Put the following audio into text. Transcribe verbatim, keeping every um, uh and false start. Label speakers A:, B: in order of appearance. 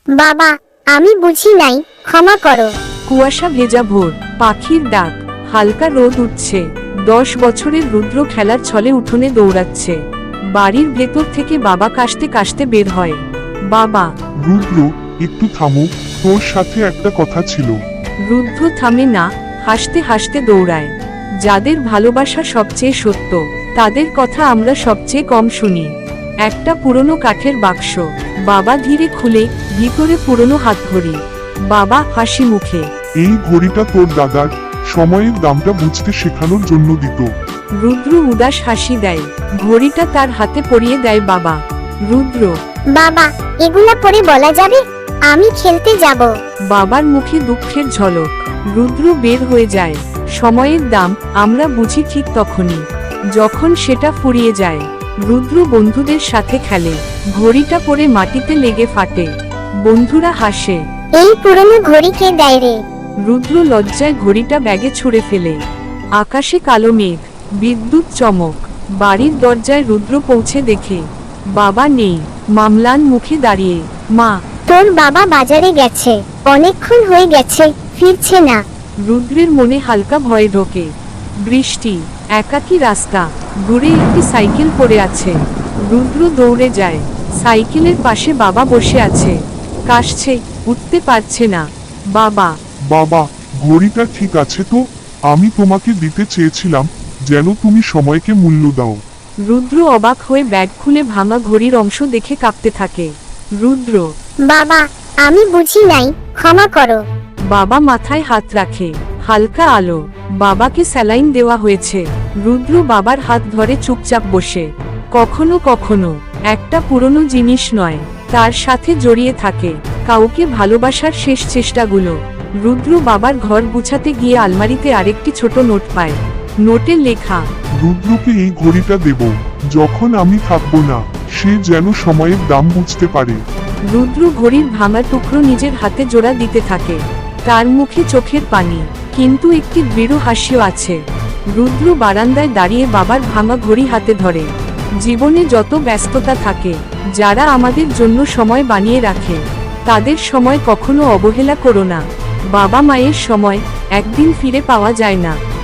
A: বাবা, আমি বুঝি নাই, ক্ষমা করো।
B: কুয়াশা ভেজা ভোর, পাখির ডাক, হালকা রোদ উঠছে। দশ বছরের রুদ্র খেলার ছলে উঠোনে দৌড়াচ্ছে। বাড়ির ভেতর থেকে বাবা কাশতে কাশতে বের হয়। বাবা।
C: রুদ্র, একটু থামো, তোর সাথে একটা কথা ছিল।
B: রুদ্র থামে না, হাসতে হাসতে দৌড়ায়। যাদের ভালোবাসা সবচেয়ে সত্য, তাদের কথা আমরা সবচেয়ে কম শুনি। একটা পুরনো কাঠের বাক্স। বাবা ধীরে খুলে, ভিতরে পুরনো হাতঘড়ি। বাবা হাসি মুখে।
C: এই ঘড়িটা তোর দাদার সময়ের দামটা বুঝতে শেখানোর জন্য দিত।
B: রুদ্র উদাস হাসি দেয়। ঘড়িটা তার হাতে পরিয়ে দেয় বাবা। রুদ্র।
A: বাবা, এগুলা পরে বলা যাবে? আমি খেলতে যাব।
B: বাবার মুখে দুঃখের ঝলক। রুদ্র বের হয়ে যায়। সময়ের দাম আমরা বুঝি ঠিক তখনই, যখন সেটা ফুরিয়ে যায়। রুদ্র বন্ধুদের সাথে খেলে। ঘড়িটা পরে মাটিতে লেগে ফাটে। বন্ধুরা হাসে।
A: এই পুরনো ঘড়ি কে দেয় রে?
B: রুদ্র লজ্জায় ঘড়িটা ব্যাগে ছুঁড়ে ফেলে। আকাশে কালো মেঘ, বিদ্যুৎ চমক। বাড়ির দরজায় রুদ্র পৌঁছে দেখে বাবা নেই। মামলান মুখে দাঁড়িয়ে। মা।
A: তোর বাবা বাজারে গেছে, অনেকক্ষণ হয়ে গেছে, ফিরছে না।
B: রুদ্রের মনে হালকা ভয় ঢোকে। বৃষ্টি, একাকী রাস্তা, দূরে একটি সাইকেল পড়ে আছে। রুদ্র দৌড়ে যায়। সাইকেলের পাশে বাবা বসে আছে, কাশছে, উঠতে পারছে না। বাবা।
C: বাবা, ঘড়িটা ঠিক আছে তো? আমি তোমাকে দিতে চেয়েছিলাম, যেন তুমি সময়কে মূল্য দাও।
B: রুদ্র অবাক হয়ে ব্যাগ খুলে ভাঙা ঘড়ির অংশ দেখে কাঁপতে থাকে। রুদ্র।
A: বাবা, আমি বুঝি নাই, ক্ষমা করো।
B: বাবা মাথায় হাত রাখে। হালকা আলো। বাবাকে স্যালাইন দেওয়া হয়েছে। রুদ্র বাবার হাত ধরে চুপচাপ বসে। কখনো কখনো একটা পুরনো জিনিস নয়, তার সাথে জড়িয়ে থাকে কাউকে ভালোবাসার শেষ চেষ্টাগুলো। রুদ্র বাবার ঘর গুছাতে গিয়ে আলমারিতে আরেকটি ছোট নোট পায়। নোটে লেখা,
C: রুদ্রকে এই ঘড়িটা দেব, যখন আমি থাকবো না, সে যেন সময়ের দাম বুঝতে পারে।
B: রুদ্র ঘড়ির ভাঙা টুকরো নিজের হাতে জোড়া দিতে থাকে। তার মুখে চোখের পানি, কিন্তু একটি দৃঢ় হাসিও আছে। রুদ্র বারান্দায় দাঁড়িয়ে বাবার ভাঙা ঘড়ি হাতে ধরে। জীবনে যত ব্যস্ততা থাকে, যারা আমাদের জন্য সময় বানিয়ে রাখে, তাদের সময় কখনো অবহেলা করো না। বাবা মায়ের সময় একদিন ফিরে পাওয়া যায় না।